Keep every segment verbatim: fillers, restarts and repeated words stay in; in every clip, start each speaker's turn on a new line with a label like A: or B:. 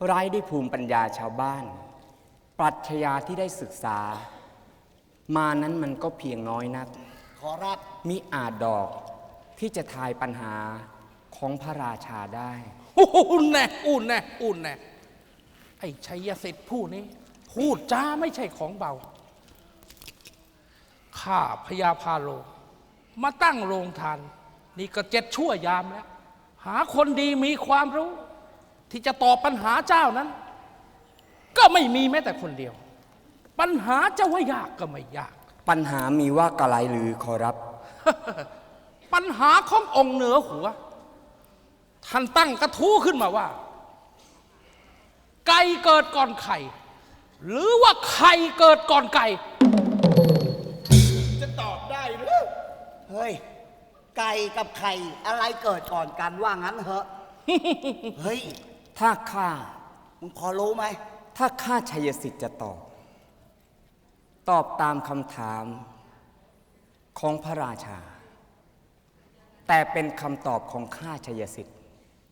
A: ไร้ด้วยภูมิปัญญาชาวบ้านปรัชญาที่ได้ศึกษามานั้นมันก็เพียงน้อยนัก
B: ขอรับ
A: มิอาจดอกที่จะทายปัญหาของพระราชาได้
C: อุ่นแน่อุ่นแน่อุ่นแน่ไอ้ชัยสิทธิ์ผู้นี้พูดจ้าไม่ใช่ของเบาข้าพญาพาโลมาตั้งโรงทานนี่ก็เจ็ดชั่วยามแล้วหาคนดีมีความรู้ที่จะตอบปัญหาเจ้านั้นก็ไม่มีแม้แต่คนเดียวปัญหาจะว่ายากก็ไม่ยาก
A: ปัญหามีว่ากะไรหรือขอรับ
C: ปัญหาขององค์เหนือหัวท่านตั้งกระทู้ขึ้นมาว่าไก่เกิดก่อนไข่หรือว่าไข่เกิดก่อนไก่
B: จะตอบได้หรือเฮ้ยไก่กับไข่อะไรเกิดก่อนกันว่างั้นเหรอ เฮ้ย
A: ถ้าข้า
B: มึงพอรู้ไหม
A: ถ้าข้าชัยสิทธิ์จะตอบตอบตามคำถามของพระราชาแต่เป็นคำตอบของข้าชัยสิทธิ์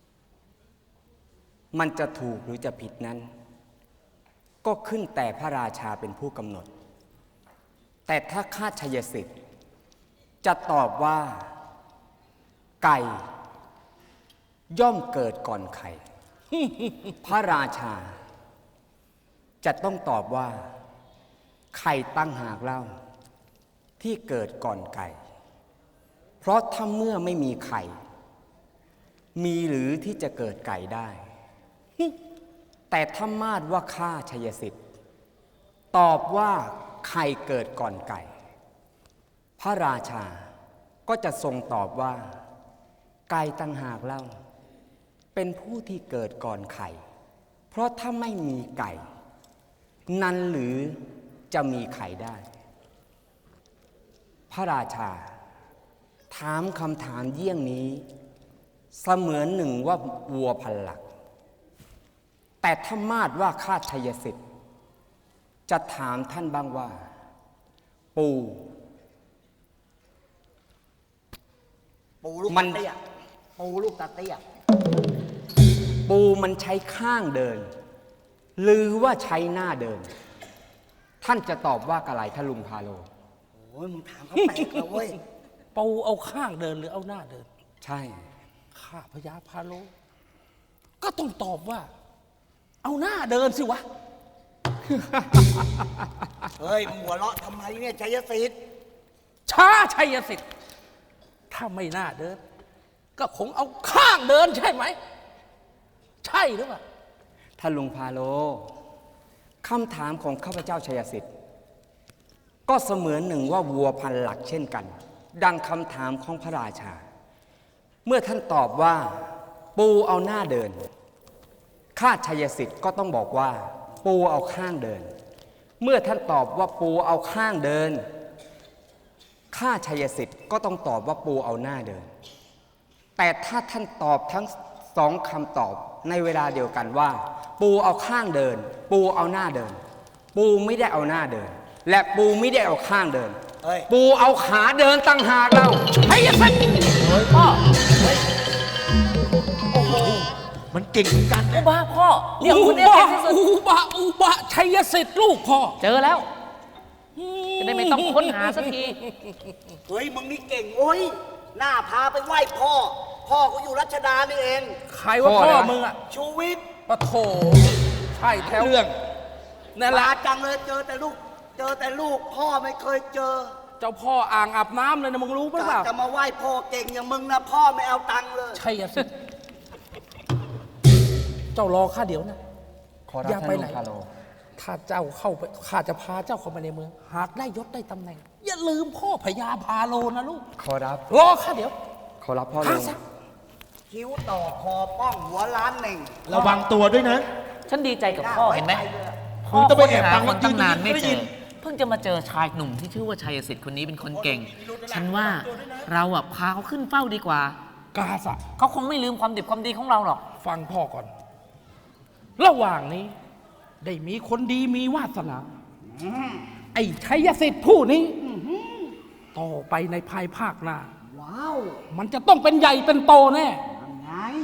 A: มันจะถูกหรือจะผิดนั้นก็ขึ้นแต่พระราชาเป็นผู้กำหนดแต่ถ้าข้าชัยสิทธิ์จะตอบว่าไก่ย่อมเกิดก่อนไข่ พระราชาจะต้องตอบว่าไข่ตั้งหากเล่าที่เกิดก่อนไก่เพราะถ้าเมื่อไม่มีไข่มีหรือที่จะเกิดไก่ได้ แต่ถ้ามาดว่าข้าชัยสิทธิ์ตอบว่าไข่เกิดก่อนไก่พระราชาก็จะทรงตอบว่าไก่ตั้งหากเล่าเป็นผู้ที่เกิดก่อนไข่เพราะถ้าไม่มีไก่นั้นหรือจะมีไข่ได้พระราชาถามคำถามเยี่ยงนี้เสมือนหนึ่งว่าวัวพันหลักแต่ถ้ามาดว่าข้าชัยสิทธิ์จะถามท่านบ้างว่าปู
B: ปูลูกตาเตี้ยปูลูกตาเตี้ย
A: ปูมันใช้ข้างเดินหรือว่าใช้หน้าเดินท่านจะตอบว่ากะไรท่านลุงพาโล
B: โอ้ยมึงถามเขาแปลกเลยเว้ย
C: ปูเอาข้างเดินหรือเอาหน้าเดิน
A: ใช่
C: ข้าพญาพาโลก็ต้องตอบว่าเอาหน้าเดินสิวะ
B: เฮ้ยมึงหัวเราะทำไมเนี่ยชัยสิทธิ์
C: ช้าชัยสิทธิ์ถ้าไม่น่าเดินก็คงเอาข้างเดินใช่ไหมใช่หรือเปล่า
A: ท่านลุงพาโลคำถามของข้าพเจ้าชัยสิทธิ์ก็เสมือนหนึ่งว่าวัวพันหลักเช่นกันดังคำถามของพระราชาเมื่อท่านตอบว่าปูเอาหน้าเดินข้าชัยสิทธิ์ก็ต้องบอกว่าปูเอาข้างเดินเมื่อท่านตอบว่าปูเอาข้างเดินข้าชัยสิทธิ์ก็ต้องตอบว่าปูเอาหน้าเดินแต่ถ้าท่านตอบทั้งสองคำตอบในเวลาเดียวกันว่าปูเอาข้างเดินปูเอาหน้าเดินปูไม่ได้เอาหน้าเดินและปูไม่ได้เอาข้างเดินปูเอาขาเดินตั้งหากเราชัยสิทธิ์
D: เฮ้ยพ่อ
B: โอ้โหมันเก่งกัน
D: อุบะพ่อเดี๋ยวคุณเอ
C: เก่งที่สุดอุบะอุบะชัยสิทธิ์ลูกพ่อ
D: เจอแล้วจะได้ไม่ต้องค้นหาสักที
B: เฮ้ยมึงนี่เก่งโอ้ยหน้าพาไปไหว้พ่อพ่อกูอยู่รัชดานี่เอง
C: ใครว่าพ่อมึงอะ
B: ชูวิทย์
C: ปะโถใช่แถวเรื่อง
B: นั่นแหละจังเลยเจอแต่ลูกเจอแต่ลูกพ่อไม่เคยเจอ
C: เจ้าพ่ออ่างอาบน้ำเลยนะมึงรู้ปะเปล่า
B: จะมาไหว้พ่อเก่งอย่างมึงนะพ่อไม่เอาตังค์เลย
C: ใช่สิเจ้ารอข้าเดี๋ยวนะ
A: อย่าไปไหน
C: ถ้าเจ้าเข้าไปข้าจะพาเจ้าเข้ามาในเมืองหากได้ยศได้ตำแหน่งอย่าลืมพ่อพญาพาโลนะลูก
A: ขอรับ
C: รอข้าเดี๋ยว
A: ขอรับพ่อลุง
B: คิ้วต่อคอป้องหัวล้านหนึ่ง
E: ระวังตัวด้วยนะ
D: ฉันดีใจกับพ่อเห็นไหมพ่อค้นหาคนตั้งนานไม่เจอเพิ่งจะมาเจอชายหนุ่มที่ชื่อว่าชัยสิทธิ์คนนี้เป็นคนเก่งฉันว่าเราอ่ะพาเขาขึ้นเฝ้าดีกว่าก
C: าสะ
D: เขาคงไม่ลืมความดีความดีของเราหรอก
C: ฟังพ่อก่อนระหว่างนี้ได้มีคนดีมีวาสนาไอ้ชัยสิทธิ์ผู้นี้ต่อไปในภายภาคหน้าว้าวมันจะต้องเป็นใหญ่เป็นโตแน่
B: ไง
C: พ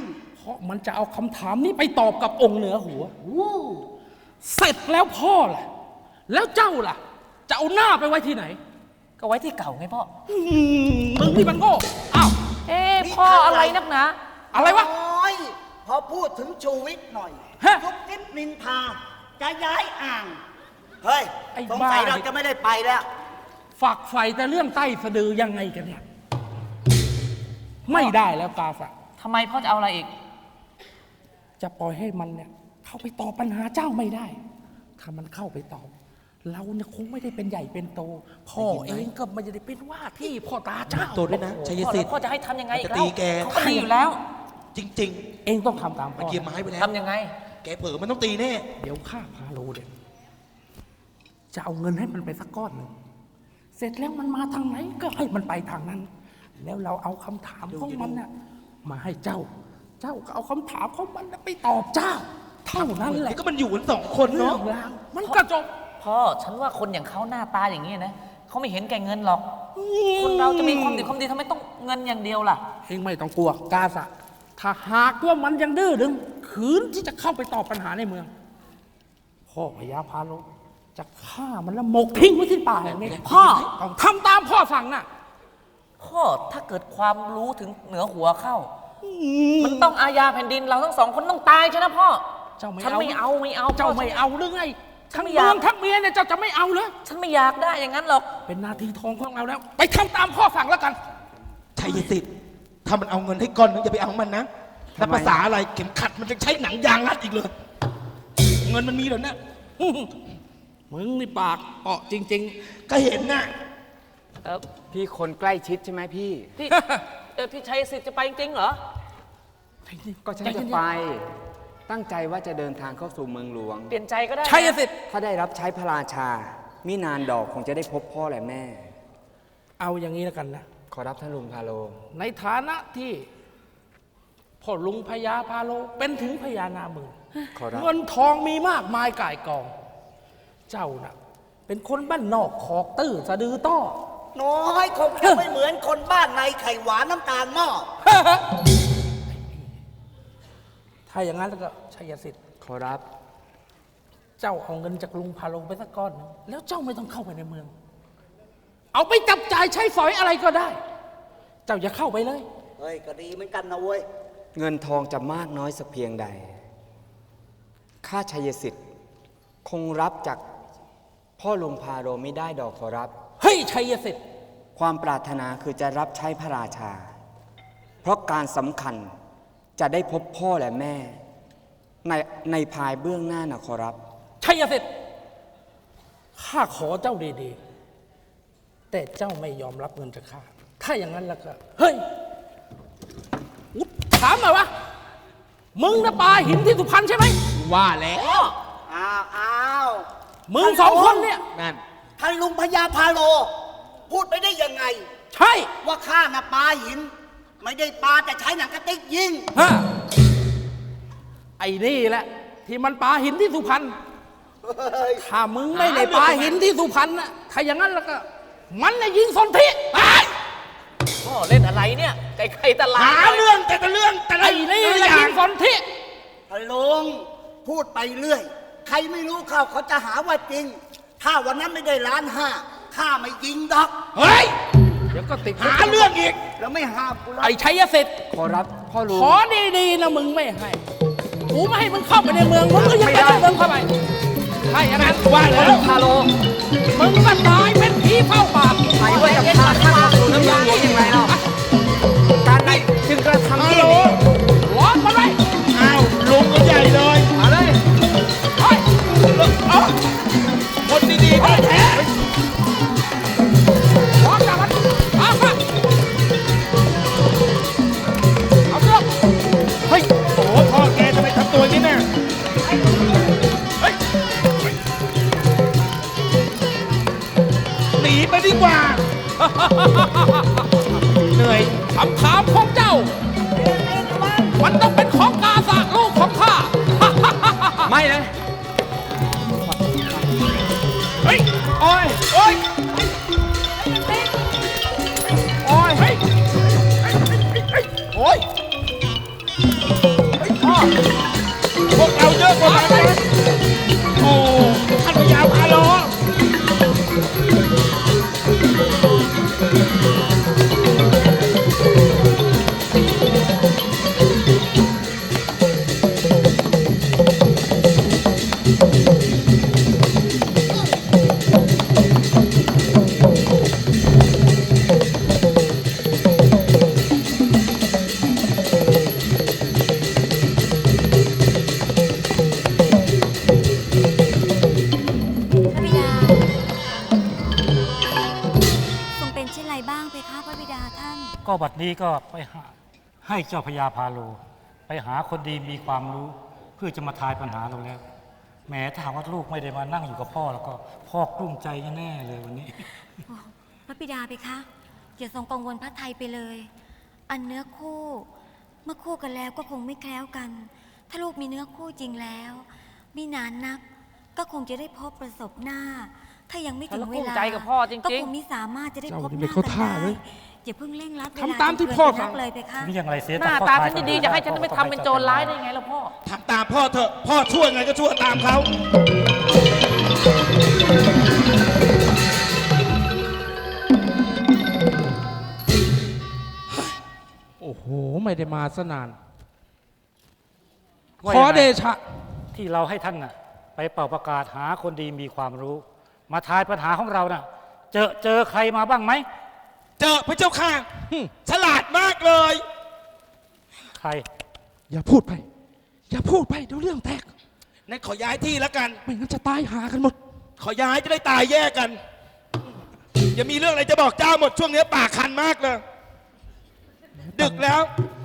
C: ราะมันจะเอาคำถามนี้ไปตอบกับองค์เหนือหัว เสร็จแล้วพ่อล่ะ แล้วเจ้าล่ะ จะเอาหน้าไปไว้ที่ไหน
D: ก็ไว้ที่เก่าไงพ่อ
C: อืมมึงนี่มันโง่อ้าว
D: เอ๊ะพ่ออะไรนักหนา
C: อะไรวะ
B: โอ้ยพอพูดถึงชูวิทย์หน่อย
C: ฮะ
B: ทุกทิพนินทาจะย้ายอ่าง เฮ้ย
C: ไอ้
B: สงสัย
C: บ้า
B: เราจะไม่ได้ไปแล้ว
C: ฝักใฝ่แต่เรื่องใต้สะดือยังไงกันเนี่ย ไม่ได้แล้วกาฝะ
D: ทำไมพ่อจะเอาอะไรอีก
C: จะปล่อยให้มันเนี่ย เข้าไปตอบปัญหาเจ้าไม่ได้ ถ้ามันเข้าไปตอบ เราเนี่ยคงไม่ได้เป็นใหญ่เป็นโต พ่อเองก็ไม่ได้เป็นว่าที่พ่อตาเจ้า
E: ตัวด้วยนะชัย
D: พ่อ
E: สิ
D: แล้
E: ท
D: ว
E: ธิ์
D: พ่อจะให้ทำยังไงอีก
E: จะ
D: แล้
E: ตี
D: ว
E: แก
D: เขาก็ดีอยู่แล้ว
E: จริง
C: เองต้องทำตาม
E: ๆ
C: พ่
E: มัน
C: อ
E: เกียร์ไม้ไปแล้ว
D: ทำยังไง
E: แกเผลอมันต้องตีแน่
C: เดี๋ยวข้าพาโลเด็จะเอาเงินให้มันไปสักก้อนหนึ่ง เสร็จแล้วมันมาทางไหนก็ให้มันไปทางนั้น แล้วเราเอาคำถามของมันน่ะมาให้เจ้า เจ้าก็เอาคำถามของมันน่ะไปตอบเจ้า เท่านั้นแหละ
E: ก็มันอยู่กันสองคน
C: เรื่อ
E: เนาะ
C: งราวมันก็จบ
D: พ่อฉันว่าคนอย่างเขาหน้าตาอย่างนี้นะเขาไม่เห็นแก่เงินหรอก คนเราจะมีความดีความดีทำไมต้องเงินอย่างเดียวล่ะ
C: เองไม่ต้องกลัวกาสะ ถ้าหากว่ามันยังดื้อดึงขืนที่จะเข้าไปตอบปัญหาในเมือง พ่อพญาพาโลจะฆ่ามันแล้วหมกทิ้งไว้ที่ป่าแห่งนี้
D: พ่อ
C: ต้องทำตามพ่อสั่งน่ะ
D: พ่อถ้าเกิดความรู้ถึงเหนือหัวเข้า มันต้องอาญาแผ่นดินเราทั้งสองคนต้องตายใช่ไหมพ่อ
C: เจ้าไม่
D: ฉัน
C: เอา
D: ไม่เอาไม่เอา
C: เจ้า
D: พ่
C: ไม่เอาหรือไง
D: ฉั
C: ทั้
D: น
C: ง
D: ไม่
C: เมื
D: อยา
C: อก งทั้งเมียเนี่ยเจ้าจะไม่เอาเหรอ
D: ฉันไม่อยากได้อย่างนั้นหรอก
C: เป็นหนาทีทองของเราแล้ว ไปทำตามพ่อสั่งแล้วกัน
E: ชัยสิทธิ์ถ้ามันเอาเงินให้ก้อนนึงอย่าไปเอามันนะแล้วภาษาอะไรเข็มขัดมันจะใช้หนังยางรัดอีกเลย เงินมันมีแล้วนะ
C: มึงนี่ปากเปาะจริง
E: ก็เห็นน่ะ
D: เออ
A: พี่คนใกล้ชิดใช่ไหมพี่
D: พี่เออพี่ชัยสิทธิ์จะไปจริงๆเหรอ
C: ๆ
A: ก็ฉันจะไป ตั้งใจว่าจะเดินทางเข้าสู่เมืองหลวง
D: เปลี่ยนใจก็ได้นะ
C: ชัยสิทธิ์
A: ถ้าได้รับใช้พระราชา มินานดอกคงจะได้พบพ่อและแม่
C: เอาอย่างนี้แล้วกันนะ
A: ขอรับท่านลุงพาโล
C: ในฐานะที่พ่อลุงพญาพาโลเป็นถึงพญานามึง
A: ขอรับ
C: เงินทองมีมากมายก่ายกอง เจ้าน่ะ เป็นคนบ้านนอกขอกตื้อสะดือต้อ
B: น้อยคงจะไม่เหมือนคนบ้านในไข่หวานน้ำตาลหม้อ
C: ถ้าอย่างนั้นแล้วก็ชัยสิทธิ์
A: ขอรับ
C: เจ้าเอาเงินจากลุงพาโลไปสักก้อนหนึ่งแล้วเจ้าไม่ต้องเข้าไปในเมือง เอาไปจับจ่ายใช้สอยอะไรก็ได้ เจ้าอย่าเข้าไปเลย
B: เฮ้ย ก็ดีเหมือนกันนะเว้ย
A: เงินทองจะมากน้อยสักเพียงใด ข้าชัยสิทธิ์คงรับจากพ่อลุงพาโลไม่ได้ดอกขอรับ
C: เฮ้ยชัยสิทธิ์
A: ความปรารถนาคือจะรับใช้พระราชา เพราะการสำคัญจะได้พบพ่อและแม่ ในในภายเบื้องหน้านะขอรับ
C: ชัยสิทธิ์ข้าขอเจ้าดีๆ แต่เจ้าไม่ยอมรับเงินจากข้า ถ้าอย่างนั้นแล้วก็ เฮ้ยอุ๊ยถามหน่อยวะ มึงนะปลาหินที่สุพรรณใช่ไหม
E: ว่าแล้ว
B: อ้าวอ้าว
C: มึงสองคนเนี่ย
E: นั่น
B: ท่านลุงพญาพาโล พูดไปได้ยังไง
C: ใช่
B: ว่าข้าน่ะปลาหิน ไม่ได้ปลาแต่ใช้หนังกระติกยิง
C: ฮะไอ้นี่แหละ ที่มันปลาหินที่สุพรรณ
B: เฮ้ย
C: ถ้ามึงไม่ได้ปลาหินที่สุพรรณน่ะถ้าอย่างนั้นแล้วก็ มันน่ะยิงสนธิไอ้
D: พ่อเล่นอะไรเนี่ย ไก่ไข่ตลาด
E: หาเรื่องแต่ละเรื่องแต่ละ
C: ไอ้นี่แหละยิงสนธิ
B: ท่านลุงพูดไปเรื่อย ใครไม่รู้เขาเขาจะหาว่าจริง ถ้าวันนั้นไม่ได้ล้านห้าข้าไม่ยิงดอก
E: เฮ้ย
C: เดี๋ยวก็ติด
E: หาเรื่องอีก
B: แล้วไม่ห้ามกูหรอก
C: ไอ้ชัยสิทธิ์
A: ขอรับพ่อลุง
C: ขอดีๆนะมึงไม่ให้ กูไม่ให้มึงเข้าไปในเมือง มึงก็ยังจะได้เดินเข้าไปใช่อย่างนั้นว่าแล้วพาโล มึงก็ตายเป็นผีเฝ้าป่า
A: ไปด้วยกับข้าข้าเข้าสู่น้ำเมืองหลวงอย่างไรเนาะการใดจึงกระทำ
E: ฮัล
A: ที่
E: โหล
A: นี้
C: ร้อนมาเลย
E: อ้าวลุงก็ใหญ่เลย
A: มาเลย
C: เฮ้ย
E: เอ้าคนดีๆแท้
C: ร้อนจังมันเอามาเอาเสื้อ
E: ๆเฮ้ย โอ้โหพ่อแกทำไมทำตัวอย่างนี้เนี่ยเฮ้ย หนีไปดีกว่า เหนื่อย
C: คำถามของเจ้า มันต้องเป็นของกาสากลูกของข้า
A: ไม่เลย
C: เฮ้ย
E: โอ้ย โอ้ย
C: โอ้ยเฮ้ย
E: โอ้ย
C: เฮ้ย
F: ก็บัดนี้ก็ไปหาให้เจ้าพญาพาโล ไปหาคนดีมีความรู้ เพื่อจะมาทายปัญหาเราแล้วแหมถ้าหากว่าลูกไม่ได้มานั่งอยู่กับพ่อแล้วก็พ่อกลุ้มใจแน่ๆเลยวันนี้
G: โอ้พระบิดาไปคะอย่าทรงกังวลพระไทยไปเลย อันเนื้อคู่ เมื่อคู่กันแล้วก็คงไม่แคล้วกัน ถ้าลูกมีเนื้อคู่จริงแล้วมีนานนัก ก็คงจะได้พบประสบหน้า ถ้ายังไม่ถึงเวลา
D: แล้วก็ภูมิใจกับพ่อจริงๆ
G: ก็คงไม่สามารถจะได้พบห
E: เจ้านี่ไม่
G: น้า
E: เข้า
G: กัน
E: ท่า
G: ได้
E: เลย
G: อย่าเพิ่งเร่งรัดเวลา
E: ทำตามที่พ่อ
G: จนเกินไปนั
E: สั่
G: ก
E: ง
G: เลยไปคะ
F: นี่อย่างไรเสีย
D: หน้าตาฉันดีๆจะให้ฉันต้องไปทำเป็นโจรร้ายได้ไงล่ะพ่อ
E: ทำตามพ่อเถอะ พ่อช่วยไงก็ช่วยตามเขา โอ้โห ไม่ได้มาสนาน
F: ว่า
E: ขอ
F: ยังไง
E: เดชะ
F: ที่เราให้ท่านน่ะไปเป่าประกาศหาคนดีมีความรู้ มาทายปัญหาของเราน่ะเจอเจอใครมาบ้างไหม
E: เจอพระเจ้าค่ะหึฉลาดมากเลย
F: ใคร
E: อย่าพูดไป อย่าพูดไปเดี๋ยวเรื่องแตกนายขอย้ายที่แล้วกัน ไม่งั้นจะตายหากันหมด ขอย้ายจะได้ตายแยกกัน อย่ามีเรื่องอะไรจะบอกเจ้าหมดช่วงนี้ปากคันมากเลย ดึกแล้ว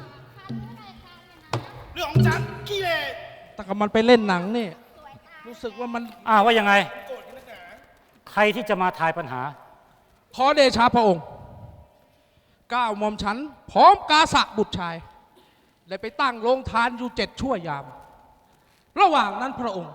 E: เรื่องของฉันขี้เลยแต่กับมันไปเล่นหนังนี่ รู้สึกว่ามัน
F: อ้าวว่ายังไง ใครที่จะมาทายปัญหา
E: ขอเดชะพระองค์ก้าวหม่อมฉัน พร้อมกาสะบุตรชายได้ไปตั้งโรงทานอยู่เจ็ดชั่วยาม ระหว่างนั้นพระองค์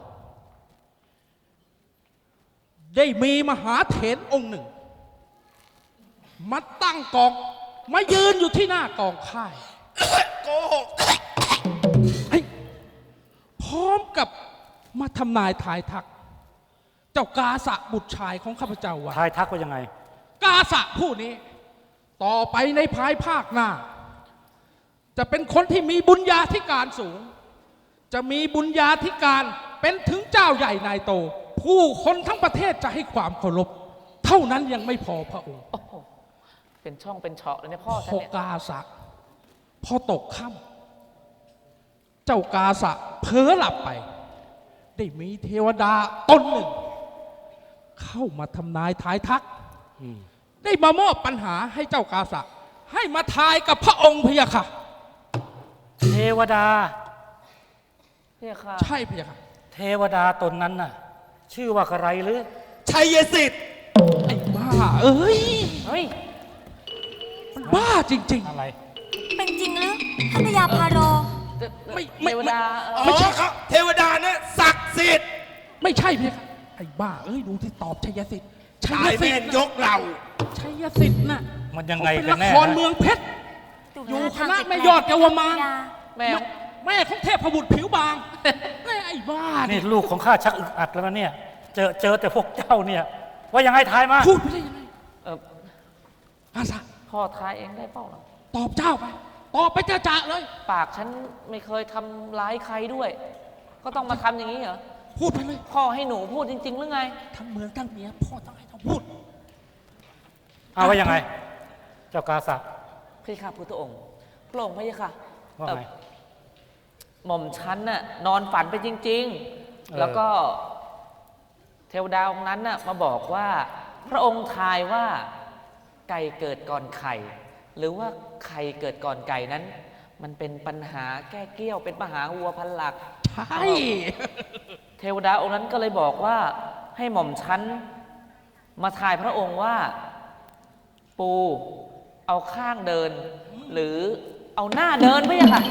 E: ได้มีมหาเถรองค์หนึ่ง มาตั้งกอง มายืนอยู่ที่หน้ากองค่าย โกหกเฮ้ยพร้อมกับมาทำนายทายทัก เจ้ากาสะบุตรชายของข้าพเจ้าว่า
F: ทายทักว่ายังไง
E: กาสะผู้นี้ ต่อไปในภายภาคหน้า จะเป็นคนที่มีบุญญาธิการสูง จะมีบุญญาธิการเป็นถึงเจ้าใหญ่นายโต ผู้คนทั้งประเทศจะให้ความเคารพเท่านั้นยังไม่พอพระองค์
D: โอ้โหเป็นช่องเป็นเฉาะเลยเนี่ยพ่อ
E: พ
D: ฉัน
E: อ
D: เนี่ย
E: กาสะพอตกค่ำเจ้ากาสะเพ้อหลับไป ได้มีเทวดาตนหนึ่ง เข้ามาทำนายทายทัก ได้มามอบปัญหาให้เจ้ากาสะ ให้มาทายกับพระองค์พะยะค่ะ
F: เทวดา
D: เนี่ยค่ะ
E: ใช่พะยะค่ะ
F: เทวดาตนนั้นน่ะ ชื่อว่าอะไรหรือ
E: ชัยสิทธิ์ไอ้บ้า เอ้ย
D: เฮ้ย
E: มันบ้าจริง
F: อะไร
G: เป็นจริงหรือท่านพญาพาโร
E: ไม่
D: เทวดาเอ
E: ๆ
D: อ
E: ไม่ใช่ครับเทวดาเนี่ยศักดิ์สิทธิ์ไม่ใช่พะยะค่ะไอ้บ้า เอ้ยดูที่ตอบชัยสิทธิ์ชัยสิทธิ์ยกเราชัยสิทธิ์น่ะ
F: มันยังไง
E: เป็น
F: กัน
E: ละ
F: แน่
E: คร
F: นะ
E: เมืองเพชร อยู่
G: ท่า
E: คณะ
G: ทาง
E: แม่ยอดเยาวมาร
D: แม่
E: แม่ของเทพบุตรผิวบางแม่ไอ้บ้า
F: นี่
E: นี่
F: ลูกของข้าชักอึดอัดแล้วนะเนี่ย เจอเจอแต่พวกเจ้าเนี่ย ว่ายังไงทายมา
E: พูดไปได้ยังไง
D: เออ
E: อาสา
D: พ่อทายเองได้เปล่าล่ะ
E: ตอบเจ้าไป ตอบไปจ่าๆเลย
D: ปากฉันไม่เคยทำร้ายใครด้วย ก็ต้องมาทำอย่างนี้เหรอ
E: พูดไปเลย
D: พ่อให้หนูพูดจริง ๆ หรือไง
E: ทั้งเมืองทั้งเมียพ่อต้องให้เขาพูด
F: เอาว่ายังไง เจ้ากาสะ
D: พี่ข้าพุทธองค์พระองค์พระยะค่ะ
F: ว่า
D: เอ่อ
F: ไง
D: หม่อมฉันน่ะนอนฝันไปจริง
F: เออ
D: ๆ แล้วก็เทวดาองค์นั้นน่ะมาบอกว่า พระองค์ทายว่าไก่เกิดก่อนไข่ หรือว่าไข่เกิดก่อนไก่นั้น มันเป็นปัญหาแก้เกี้ยวเป็นปัญหาวัวพันหลัก
E: ใช่
D: เทวดาองค์นั้นก็เลยบอกว่าให้หม่อมฉันมาทายพระองค์ว่า ปูเอาข้างเดิน หรือเอาหน้าเดินไม่ใช่ค่ะ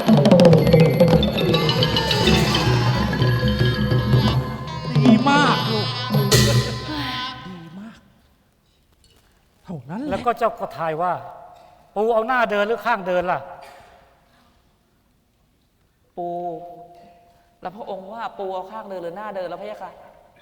E: ดีมากลูก ดีมาก เท่านั้นแห
F: แล้
E: ละ
F: วก็เจ้าก็ทายว่า ปูเอาหน้าเดินหรือข้างเดินล่ะ
D: ปู แล้วพระองค์ว่าปูเอาข้างเดินหรือหน้าเดินแล้วพระยะค่ะ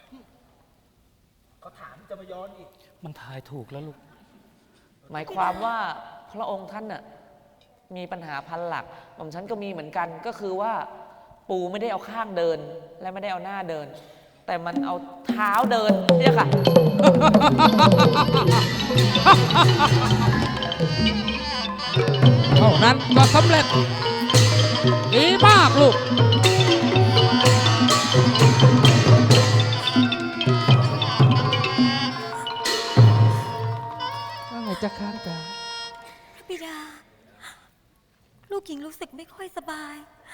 E: เขาถามจะมาย้อนอีก
F: มันทายถูกแล้วลูก
D: หมายความว่าพระองค์ท่านน่ะมีปัญหาพันหลักหม่อมฉันก็มีเหมือนกัน ก็คือว่า ปูไม่ได้เอาข้างเดิน และไม่ได้เอาหน้าเดิน แต่มันเอาเท้าเดินเนี่ยค่ะ
E: เท่านั้นก็สำเร็จ ดีมากลูก ว่าไงจะค้างจ๋า
G: พระบิดาหญิงรู้สึกไม่ค่อยสบาย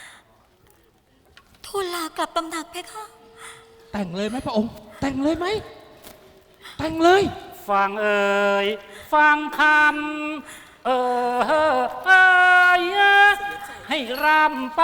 G: ทูลลากลับตำหนักเพคะ
E: แต่งเลยไหมพระองค์ แต่งเลยไหม แต่งเลย
F: ฟังเอ่ยฟังคำเออเอ่ยให้รำไป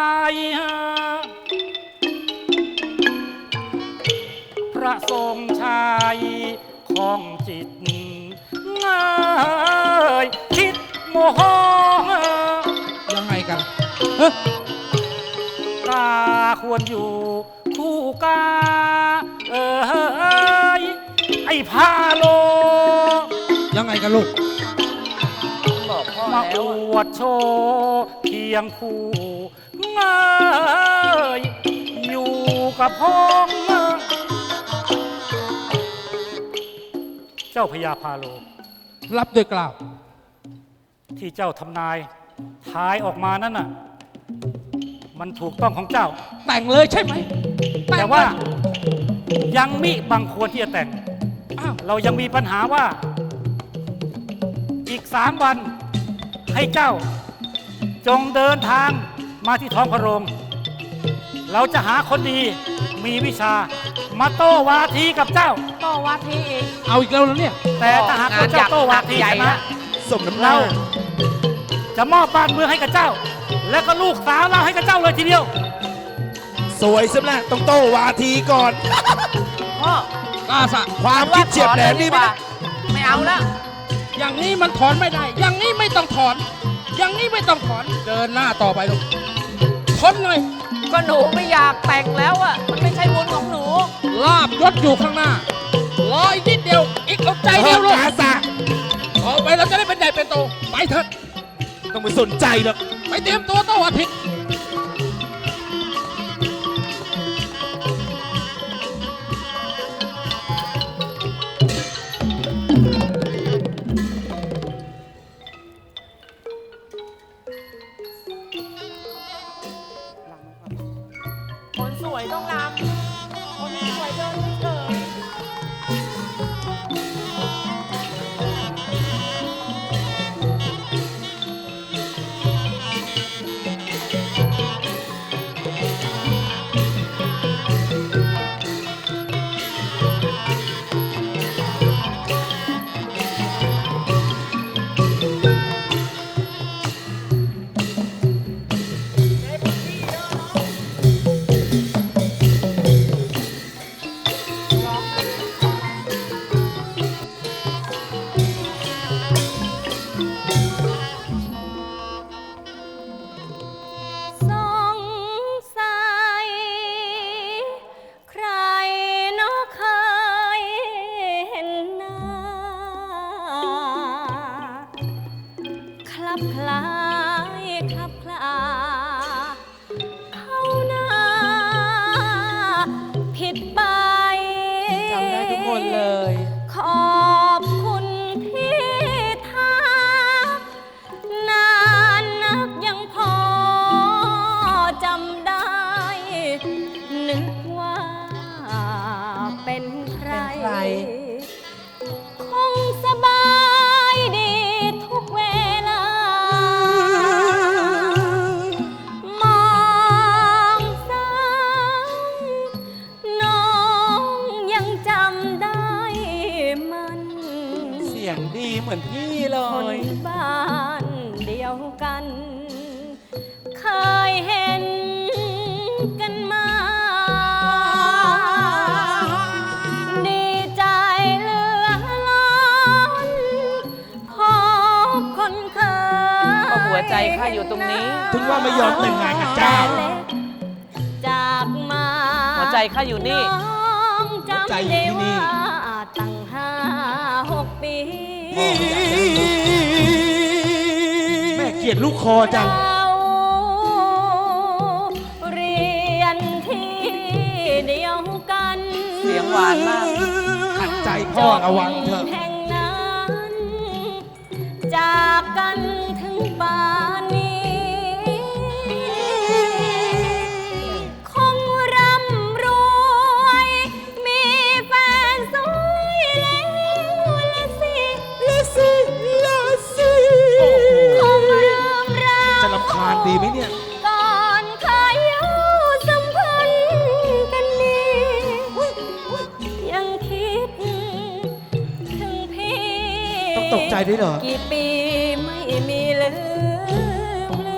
F: พระทรงชัยของจิตเงยคิดโมโห
E: ยังไงกันเฮ้ย
F: กาควรอยู่คู่กาเออไอ้พาโล
E: ยังไงกันลูก
D: บอกพ่อ
F: มา
D: แล้ว
F: อ
D: อะ
F: วดโชว์เพียงคู่เงยอยู่กับพ้องเจ้าพญาพาโล
E: รับด้วยกล่าว
F: ที่เจ้าทำนายทายออกมานั่นน่ะ มันถูกต้องของเจ้า
E: แต่งเลยใช่ไหม
F: แต่ว่ายังมิบางควรที่จะแต่ง
E: อ้าว
F: เรายังมีปัญหาว่า อีกสามวันให้เจ้า จงเดินทางมาที่ท้องพระโรง เราจะหาคนดีมีวิชา มาโต้วาทีกับเจ้า
D: ต่อวัดทีอีก
E: เอาอีกแล้วเหรอเนี่ย
F: แต่ถ้าหากว่าเจ้าโต้วาที
D: ใหญ่
F: ชนะ
D: นะ
E: สมน้ำหน้า
F: เราจะมอบบ้านเมืองให้กับเจ้า และก็ลูกสาวเราให้กับเจ้าเลยทีเดียว
H: สวยสำหรับต้องโตวาทีก่อน
D: พ่อก
E: ล้าสะ
H: ความคิดเฉียบแหลมนี่
D: ว่า
H: ไม่
D: ไม่เอาแล้ว
E: อย่างนี้มันถอนไม่ได้ อย่างนี้ไม่ต้องถอน อย่างนี้ไม่ต้องถอน เดินหน้าต่อไปลูกทนหน่อย
D: ก็หนูไม่อยากแต่งแล้วอ่ะ มันไม่ใช่บุญของหนู
E: ลาบยศอยู่ข้างหน้า รออีกนิดเดียว อีกเอาใจเดียวลูก
H: กาสะ
E: ออกไปเราจะได้เป็นใหญ่เป็นโต ไปเถอะ
H: ต้องไปสนใจหรอก
E: ไปเตรียมตัวโตอาทิตย์
D: คนสวยต้องรำคนสวยเดินเฉย
G: สงสัยใครเนาะเคยเห็นหน้าคลับคล้ายคลับคลาเข้าหน้าผิดไป
D: จำได้ทุกคนเลย
G: ขอบคุณที่ทักนานนักยังพอจำได้ นึกว่าเป็นใคร
D: เป็นใคร
G: คงสบายดีทุกเวลา มองซ้ำน้องยังจำได้มัน
D: เสียงดีเหมือนพี่เล
G: คน
D: ย
G: บ้านเดียวกัน เคยเห็นกันมา ดีใจเหลือล้นพบคนเคย
D: ก็หัวใจข้าอยู่ตรงนี้
H: ถึงว่าไม่ยอมแต่งงานกับเจ้า
G: แต่เล็กจากมา
D: หัวใจข้าอยู่นี่
G: น้องจำ
H: หัวใจอยู่
G: ได้
H: ที่นี่
G: ว่าตั้งห้าหกปี
H: แม่เกลียดลูกคอจัง
G: เราเรียนที่เดียวกัน
D: เสียงหวานมาก
H: ขัดใจพ่อระวังเถอะ
G: แห่งนั้น จากกันถึงป่านนี้ คงร่ำรวย มีแฟนสวยแล้วละสิละสิละสิคงเริ่มรัก
H: จะรำคาญใจด้วยเหรอ
I: กี่ปีไม่มีลืมลื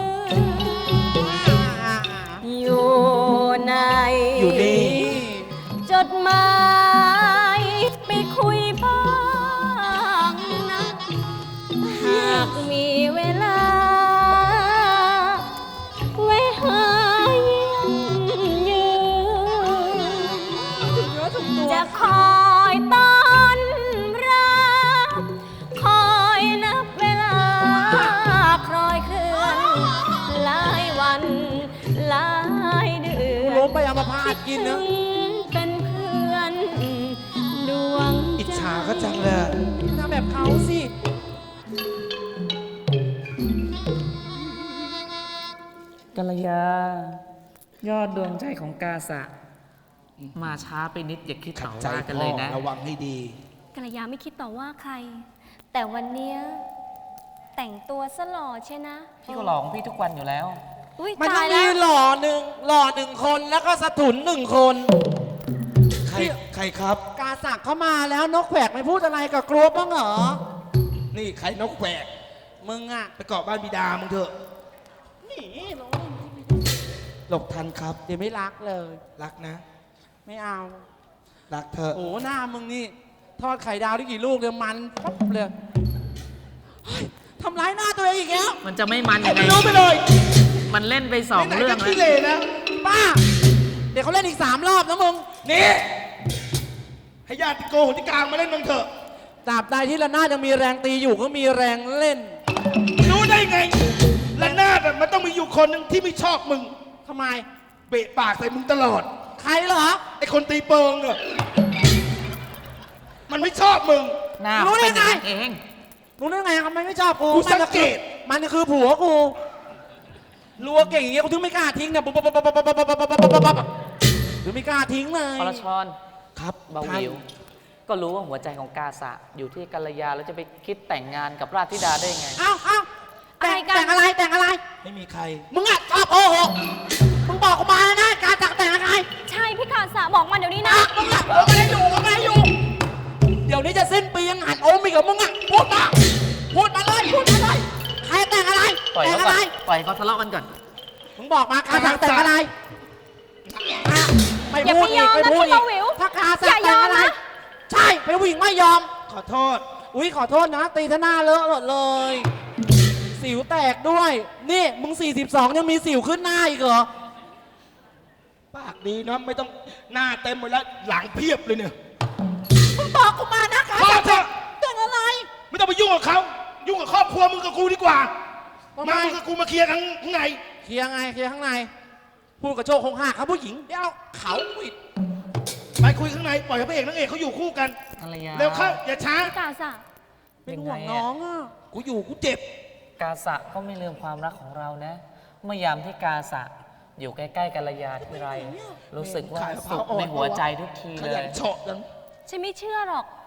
I: มอยู่ใน
H: อยู่นี่
I: จดหมายไปคุยบ้างนะ หากมีเวลา ไว้หาเยี่ยมยืนจะคอยต้อนรับคอยนับเวลาคลอยเคลื่อนหลายวันหลายเดื
H: กู
I: อน
H: ล้มไปเอามาพาดกินนะ
I: เป็นเพื่อนดวง
H: อิจฉาก็จังเลยอะทำแบบเขาสิ
D: กัลยายอดดวงใจของกาสะ มาช้าไปนิดอย่าคิด
H: ขั
D: ต่
H: ด
D: อ
H: ใจ
D: ว่ากัน
H: พ่
D: เล
H: อย
D: นะ
H: ระวังให้ดี
G: กัลยาไม่คิดต่อว่าใคร แต่วันเนี้ยแต่งตัวซะหล่อใช่นะ
D: พี่ก็หลอกพี่ทุกวันอยู่แล้ว
G: อุ้ย
H: มันต้
G: ตา
H: อง
G: ยแล้
H: มี
G: ว
H: หล่อหนึ่งหล่อหนึ่งคนแล้วก็สถุนหนึ่งคน ใคร ใครครับ กาสักเข้ามาแล้วนกแขวกไม่พูดอะไรกับกลัวบ้างเหรอ นี่ใครนกแขวก มึงอะไปเกาะบ้านบิดามึงเถอะ นี่หลบทันครับ เดี๋ยวไม่รักเลย รักนะ ไม่เอา รักเถอะ โอ้หน้ามึงนี่ ทอดไข่ดาวได้กี่ลูกเนี่ยมันปั๊บเลยเฮ้ยทำร้ายหน้าตัวเองอีกแล้ว
D: มันจะไม่มันยังไง
H: ไม่รู้ไปเลย
D: มันเล่นไปสอง
H: ไหนๆ
D: เรื่อง
H: ก็
D: แล้
H: ขี้
D: ว
H: เหร่นะป้า เดี๋ยวเขาเล่นอีกสามรอบนะมึง นี่ ให้ญาติโกโหติกลางมาเล่นมึงเถอะตราบใดที่ระนาดยังมีแรงตีอยู่ก็มีแรงเล่น
J: รู้ได้ไงละนาดอะมันต้องมีอยู่คนหนึ่งที่ไม่ชอบมึง
H: ทำไม
J: เบะปากใส่มึงตลอด
H: ใครเหรอ
J: ไอ้คนตีเปิงอะมันไม่ชอบมึง
D: หน้า
H: รู้ได้
D: เป็นอย่าง
H: ไง
D: นั้นเอง
H: รู้ได้ไงทำไมไม่ชอบกู
J: กูสังเกต
H: มันคือผัวกูรัวเก่งอย่างเงี้ยกูถึงไม่กล้าทิ้งเนี่ยปุ๊บปุ๊บปุ๊บปุ๊บปุ๊บปุ๊บปุ๊บปุ๊บปุ๊บปุ๊บถึงไม่กล้าทิ้งเลย
D: อรชร
H: ครับ
D: เบาวิว ก็รู้ว่าหัวใจของกาสะ อยู่ที่กัลยาแล้วจะไปคิดแต่งงานกับราชธิดาได้ยังไง
H: เอ้าเอ้าแต่ง
G: อะไรกัน
H: แต่งอะไรแต่งอะไร ไม่มีใคร มึงอะชอบโอ้โหมึงบอกกูมานะการจักแต่งอะไร
G: ใช่พี่กาสะบอกมาเดี๋ยวนี้นะ
H: อ่ะมึงอะมึงอะไรอยู่มึงอะไรอยู่ เดี๋ยวนี้จะสิ้นปียังหันโอมอีกเหรอมึงอะพูดมาพูดมาเลยพูดมาเลยใครแต่งอะไร
D: ปล่อย
H: แต่ง
D: เขา
H: อะ
D: ก่อ
H: ไร
D: น ปล่อยเขาทะเลาะกันก่อน
H: มึงบอกมาการจักแต่งอะไรอ่ะไม่
G: อย่า
H: พู
G: ไป
H: ด
G: ย
H: อี
G: อก ม
H: ไม่
G: นะ
H: พูด
G: พี่
H: อี
G: เบาก วิว
H: ถ้าการจั
G: อก ย่าย
H: แต่
G: อง ม
H: อะไร
G: นะ
H: ใช่เป็นผู้หญิงไม่ยอม
J: ขอโทษ
H: อุ้ยขอโทษนะ ตีท่าหน้าเลอะหมดเลย สิวแตกด้วย นี่มึง สี่สิบสอง ยังมีสิวขึ้นหน้าอีกเหรอ
J: ปากดีนะไม่ต้องหน้าเต็มหมดแล้วหลังเพียบเลยเนี่ย
H: มึงบอกกูมานะการ
J: พอ
H: จัก
J: เถ
H: แต่ง
J: อะ
H: แต่งอะไร
J: ไม่ต้องไปยุ่งกับเขายุ่งกับครอบครัวมึงกับกูดีกว่า
H: ทำไม
J: มามึงกับกูมาเคลียร์กันข้างใน
H: เคลียร์ไงเคลียร์ข้างใน พูดกับโชคคงหักครับผู้หญิง เดี๋ยวเขาปิด
J: ไปคุยข้างในปล่อยให้พระเอกนางเอกเขาอยู่คู่กัน
D: กัลยา
J: เร็วเข้าอย่าช้า
G: พี่กาสะ
H: เป็นห่วงน้องอ่ะ
J: กูอยู่กูเจ็บ
D: กาสะก็ไม่ลืมความรักของเรานะ เมื่อยามที่กาสะอยู่ใกล้ๆกัลยาทีไร รู้สึกว่า
J: ขายมะพร้า
D: สุ
J: ว
D: ข
J: อ่อน
D: ในหัวใจทุกที
J: ข
D: เล
J: ยั
D: ย
J: นเฉาะจัง
G: ฉันไม่เชื่อหรอก